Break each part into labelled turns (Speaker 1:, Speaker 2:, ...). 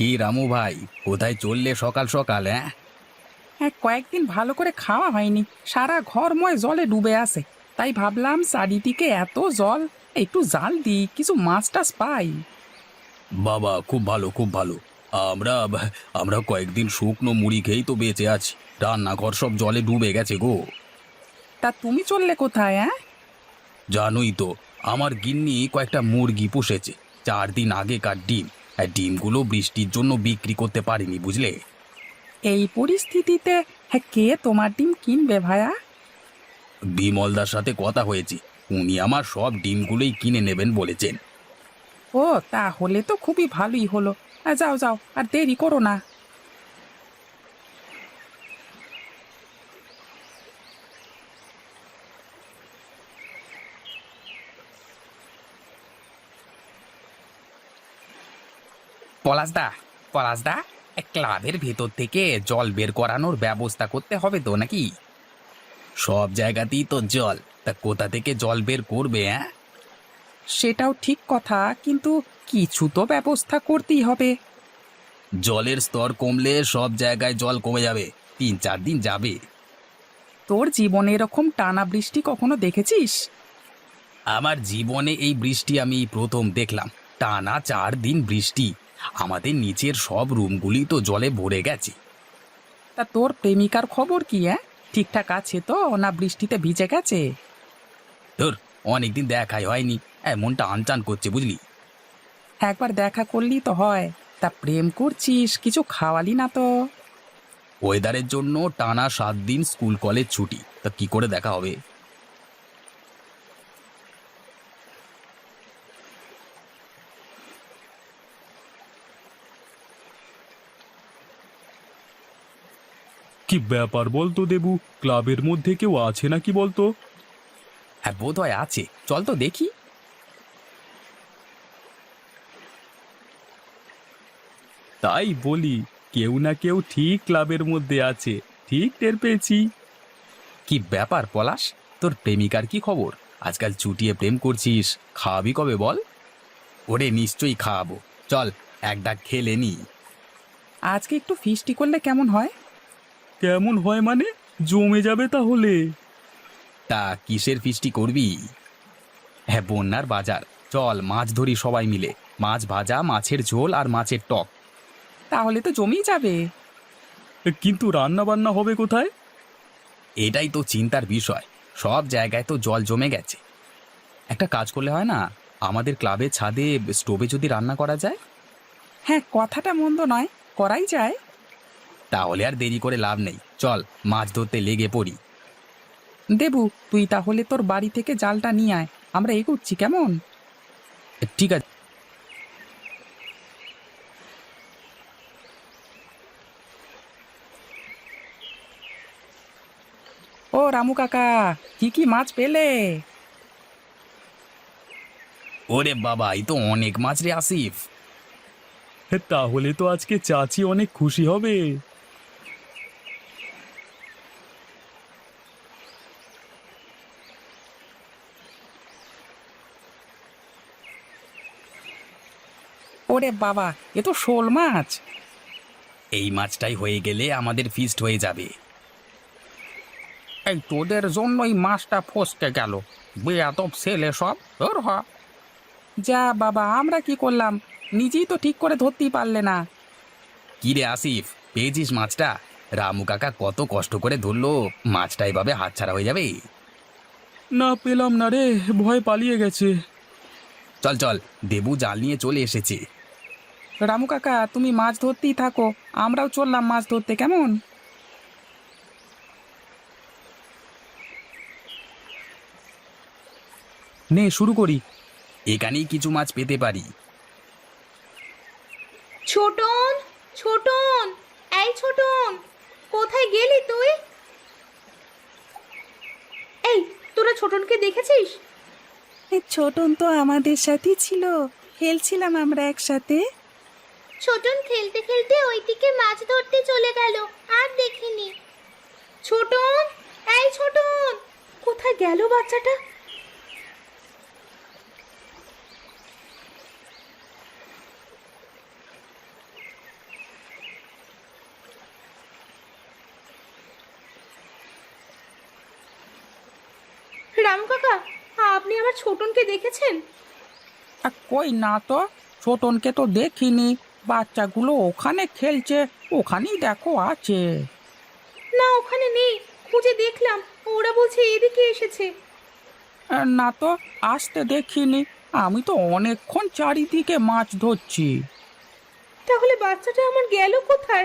Speaker 1: কি রামু ভাই, কোথায় চললে সকাল সকাল? হ্যাঁ,
Speaker 2: হ্যাঁ, কয়েকদিন ভালো করে খাওয়া হয়নি। সারা ঘরময় জলে ডুবে আছে। তাই ভাবলাম চারিদিকে এত জল, একটু জাল দিই, কিছু মাছ টাছ পাই।
Speaker 1: বাবা খুব ভালো খুব ভালো। আমরা আমরা কয়েকদিন শুকনো মুড়ি খেয়েই তো বেঁচে আছি। রান্নাঘর সব জলে ডুবে গেছে গো।
Speaker 2: তা তুমি চললে কোথায়? হ্যাঁ,
Speaker 1: জানোই তো, আমার গিন্নি কয়েকটা মুরগি পুষেছে। 4 দিন আগেকার ডিম। আর ডিমগুলো বৃষ্টির জন্য বিক্রি করতে পারিনি, বুঝলে।
Speaker 2: এই পরিস্থিতিতে হ্যাঁ কে তোমার ডিম কিনবে ভায়া?
Speaker 1: বিমলদার সাথে কথা হয়েছে, উনি আমার সব ডিমগুলোই কিনে নেবেন বলেছেন।
Speaker 2: ও, তাহলে তো খুবই ভালোই হলো। যাও যাও, আর দেরি করো না। পলাশদা, পলাশদা, ক্লাবের ভেতর থেকে জল বের করানোর ব্যবস্থা করতে হবে তো নাকি?
Speaker 1: সব জায়গাতেই তো জল, তা কোথা থেকে জল বের করবে? হ্যাঁ,
Speaker 2: সেটাও ঠিক কথা, কিন্তু কিছু তো ব্যবস্থা করতেই হবে।
Speaker 1: জলের স্তর কমলে সব জায়গায় জল কমে যাবে। 3-4 দিন যাবে।
Speaker 2: তোর জীবনে এরকম টানা বৃষ্টি কখনো দেখেছিস?
Speaker 1: আমার জীবনে এই বৃষ্টি আমি প্রথম দেখলাম। টানা 4 দিন বৃষ্টি। আমাদের নিচের সব রুমগুলি তো জলে ভরে গেছে।
Speaker 2: তা তোর প্রেমিকার খবর কি? ঠিকঠাক আছে তো, না বৃষ্টিতে ভিজে গেছে?
Speaker 1: ধর, অনেকদিন দেখাই হয়নি। মনটা আনচান করছে, বুঝলি।
Speaker 2: একবার দেখা করলি তো হয়। তা প্রেম করছিস, কিছু খাওয়ালি না তো?
Speaker 1: ওয়েদারের জন্য টানা 7 দিন স্কুল কলেজ ছুটি, তা কি করে দেখা হবে?
Speaker 3: কি ব্যাপার বলতো দেবু? ক্লাবের মধ্যে কেউ আছে নাকি বলতো?
Speaker 1: হ্যাঁ, বোধ হয় আছে, চল তো দেখি।
Speaker 3: তাই বলি, কেউ না কেউ ঠিক ক্লাবের মধ্যে আছে, ঠিক টের পেয়েছি।
Speaker 1: কি ব্যাপার পলাশ, তোর প্রেমিকার কি খবর? আজকাল চুটিয়ে প্রেম করছিস, খাওয়াবি কবে বল? ওরে নিশ্চয়ই খাওয়াবো, চল এক ডাক খেলে নি।
Speaker 2: আজকে একটু ফিস্টি করলে কেমন হয়?
Speaker 3: কেমন হয় মানে? জমে যাবে তাহলে।
Speaker 1: তা কিসের ফিস্টি করবি? হ্যাঁ, বন্যার বাজার। চল মাছ ধরি সবাই মিলে। মাছ ভাজা, মাছের ঝোল আর মাছের টক।
Speaker 2: তাহলে তো জমেই যাবে।
Speaker 3: কিন্তু রান্না বান্না হবে কোথায়?
Speaker 1: এটাই তো চিন্তার বিষয়। সব জায়গায় তো জল জমে গেছে। একটা কাজ করলে হয় না, আমাদের ক্লাবের ছাদে স্টোভে যদি রান্না করা যায়।
Speaker 2: হ্যাঁ, কথাটা মন্দ নয়, করাই যায়।
Speaker 1: তাহলে আর দেরি করে লাভ নেই, চল মাছ ধরতে লেগে পড়ি।
Speaker 2: দেবু, তুই তাহলে তোর বাড়ি থেকে জালটা নিয়ে আয়, আমরা এগোচ্ছি কেমন?
Speaker 1: ঠিক আছে।
Speaker 2: ও রামু কাকা, কি কি মাছ পেলে?
Speaker 1: ওরে বাবা, এই তো অনেক মাছ রে আসিফ।
Speaker 3: তাহলে তো আজকে চাচি অনেক খুশি হবে।
Speaker 2: ওরে বাবা, এ তো শোল মাছ।
Speaker 1: এই মাছটাই হয়ে গেলে আমাদের ফিস্ট হয়ে যাবে।
Speaker 2: এই তোদের জন্যই মাছটা ফসকে গেল। বেয়াদব ছেলে সব, তোর হ। যা বাবা, আমরা কি করলাম? নিজেই তো ঠিক করে ধরতেই পারলে না।
Speaker 1: কি রে আসিফ, পেয়েছিস মাছটা? রামু কাকা কত কষ্ট করে ধরলো, মাছটা এভাবে হাতছাড়া হয়ে যাবে?
Speaker 3: না, পেলাম না রে, ভয় পালিয়ে গেছে।
Speaker 1: চল চল, দেবু জাল নিয়ে চলে এসেছে।
Speaker 2: রামু কাকা, তুমি মাছ ধরতেই থাকো, আমরাও চললাম মাছ ধরতে, কেমন?
Speaker 1: নে শুরু করি। এখানেই কিছু মাছ পেতে পারি।
Speaker 4: ছোটন, ছোটন, এই ছোটন, কোথায় গেলি তুই? এই, তোরা ছোটনকে দেখেছিস?
Speaker 2: ছোটন তো আমাদের সাথেই ছিল, খেলছিলাম আমরা একসাথে।
Speaker 4: ছোটন খেলতে খেলতে ওইদিকে মাছ ধরতে চলে গেল, আর দেখিনি। ছোটন, এই ছোটন, কোথায় গেল বাচ্চাটা? রামু কাকা, আপনি আমার ছোটনকে দেখেছেন?
Speaker 2: কই না তো, ছোটনকে তো দেখিনি। বাচ্চাগুলো ওখানে খেলছে, ওখানেই দেখো আছে।
Speaker 4: না, ওখানে নেই, খুঁজে দেখলাম, ওরা বলছে এদিকে এসেছে।
Speaker 2: না তো, আসতে দেখিনি। আমি তো অনেকক্ষণ চারিদিকে মাছ ধরছি।
Speaker 4: তাহলে বাচ্চাটা আমার গেল কোথায়?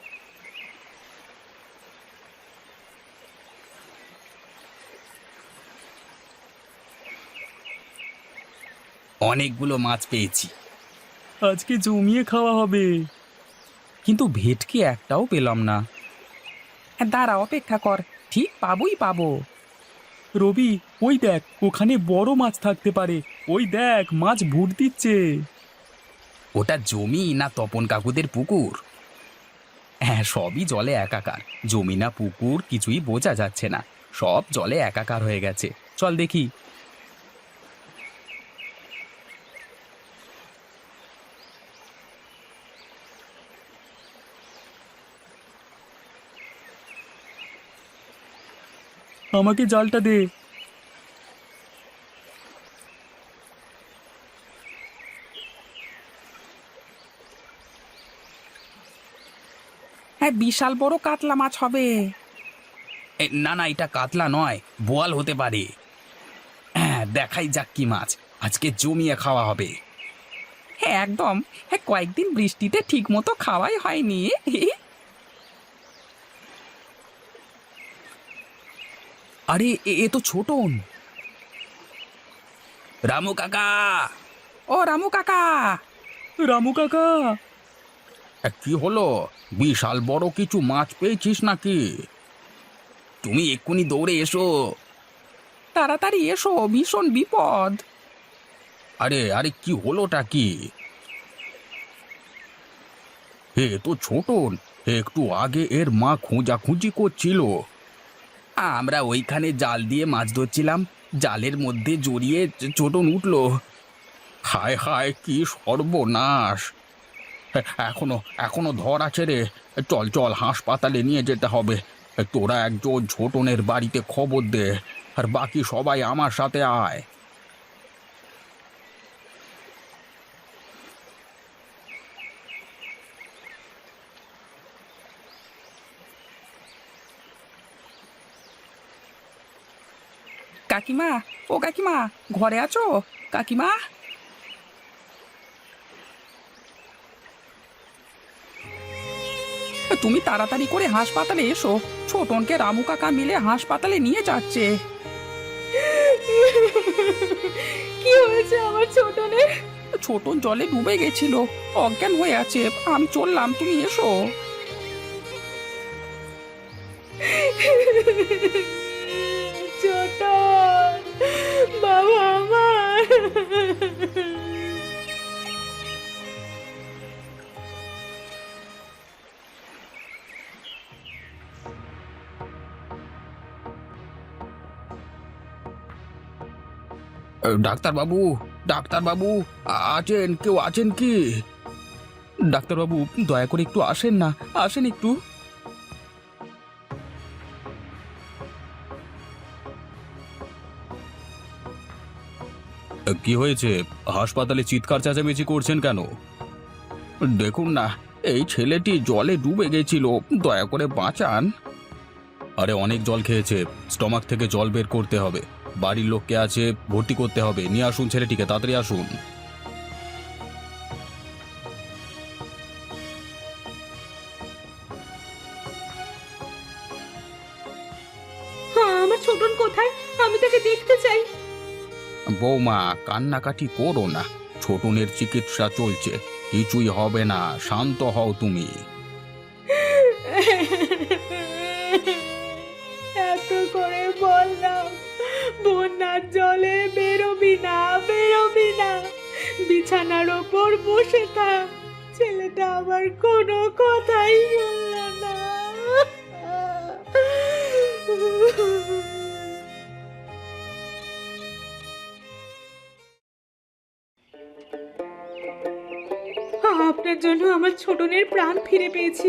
Speaker 1: অনেকগুলো মাছ পেয়েছি।
Speaker 3: আজকে জমিয়ে খাওয়া হবে।
Speaker 1: কিন্তু ভেটকি একটাও পেলাম না।
Speaker 2: দাঁড়া, অপেক্ষা কর, ঠিক পাবোই পাবো।
Speaker 3: রবি, ওই দেখ, ওখানে বড় মাছ থাকতে পারে। ওই দেখ, মাছ ভুট দিচ্ছে।
Speaker 1: ওটা জমি না তপন কাকুদের পুকুর? হ্যাঁ, সবই জলে একাকার। জমি না পুকুর কিছুই বোঝা যাচ্ছে না, সব জলে একাকার হয়ে গেছে। চল দেখি।
Speaker 3: আমাকে জালটা দে।
Speaker 2: হ্যাঁ, বিশাল বড় কাতলা মাছ হবে।
Speaker 1: না না, এটা কাতলা নয়, বোয়াল হতে পারে। হ্যাঁ, দেখাই যাক কি মাছ, আজকে জমিয়ে খাওয়া হবে।
Speaker 2: হ্যাঁ একদম। হ্যাঁ, কয়েকদিন বৃষ্টিতে ঠিক মতো খাওয়াই হয়নি।
Speaker 1: আরে এ তো ছোটন। রামু কাকা!
Speaker 2: ও রামু কাকা!
Speaker 3: রামু কাকা!
Speaker 1: কি হলো? বিশাল বড় কিছু মাছ পেয়েছিস নাকি? তুমি এক্ষুনি দৌড়ে এসো।
Speaker 2: তাড়াতাড়ি এসো, ভীষণ বিপদ।
Speaker 1: আরে আরে, কি হলোটা কি? এ তো ছোটন, একটু আগে এর মা খোঁজাখুঁজি করছিল। আমরা ওইখানে জাল দিয়ে মাছ ধরছিলাম, জালের মধ্যে জড়িয়ে ছোটন উঠলো। হায় হায়, কি সর্বনাশ! এখনো এখনো ধর আছে রে। চল চল, হাসপাতালে নিয়ে যেতে হবে। তোরা একজন ছোটনের বাড়িতে খবর দে, আর বাকি সবাই আমার সাথে আয়।
Speaker 2: কাকিমা, ও কাকিমা, ঘরে আছো? কাকিমা! তুমি তাড়াতাড়ি করে হাসপাতালে এসো, ছোটনকে রামু কাকা মিলে হাসপাতালে নিয়ে যাচ্ছে।
Speaker 4: কি হয়েছে আমার ছোটনের?
Speaker 2: ছোটন জলে ডুবে গেছিল, অজ্ঞান হয়ে আছে। আমি চললাম, তুমি এসো।
Speaker 4: ছোটন, বাবা আমার!
Speaker 1: ডাক্তারবাবু, ডাক্তারবাবু, আছেন? কেউ আছেন কি?
Speaker 3: ডাক্তারবাবু, দয়া করে একটু আসেন না, আসেন একটু।
Speaker 1: কি হয়েছে? হাসপাতালে চিৎকার চেঁচামেচি করছেন কেন? দেখুন না, এই ছেলেটি জলে ডুবে গেছিল, দয়া করে বাঁচান। আরে অনেক জল খেয়েছে, স্টমাক থেকে জল বের করতে হবে। বাড়ির লোককে আছে, ভর্তি করতে হবে। নিয়ে আসুন ছেলেটিকে, তাড়াতাড়ি আসুন।
Speaker 4: আমার ছোটন কোথায়? আমি তাকে দেখতে চাই।
Speaker 1: বৌমা, কান্নাকাটি করো না, ছোটনের চিকিৎসা চলছে, কিছুই হবে না, শান্ত হও তুমি।
Speaker 4: এত করে বললাম, বন্যার জলে বেরোবি না, বেরোবি না, বিছানার ওপর বসে থাক। ছেলেটা আবার কোনো কথাই বলল না। আপনার জন্য আমার ছোটনের প্রাণ ফিরে পেয়েছি।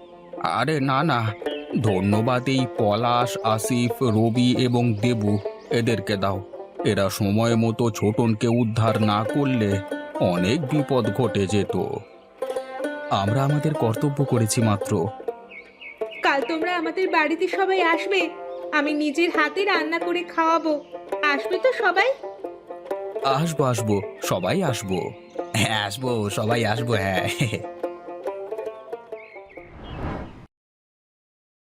Speaker 1: আরে না না, ধন্যবাদ এই পলাশ, আসিফ, রবি এবং দেবু, এদেরকে দাও। এরা সময় মতো ছোটনকে উদ্ধার না করলে অনেক বিপদ ঘটে যেত।
Speaker 3: আমরা আমাদের কর্তব্য করেছি মাত্র।
Speaker 4: কাল তোমরা আমাদের বাড়িতে সবাই আসবে, আমি নিজের হাতে রান্না করে খাওয়াবো। আসবে তো সবাই?
Speaker 1: আসবো আসবো, সবাই আসবো। হ্যাঁ আসবো, সবাই আসবো, হ্যাঁ।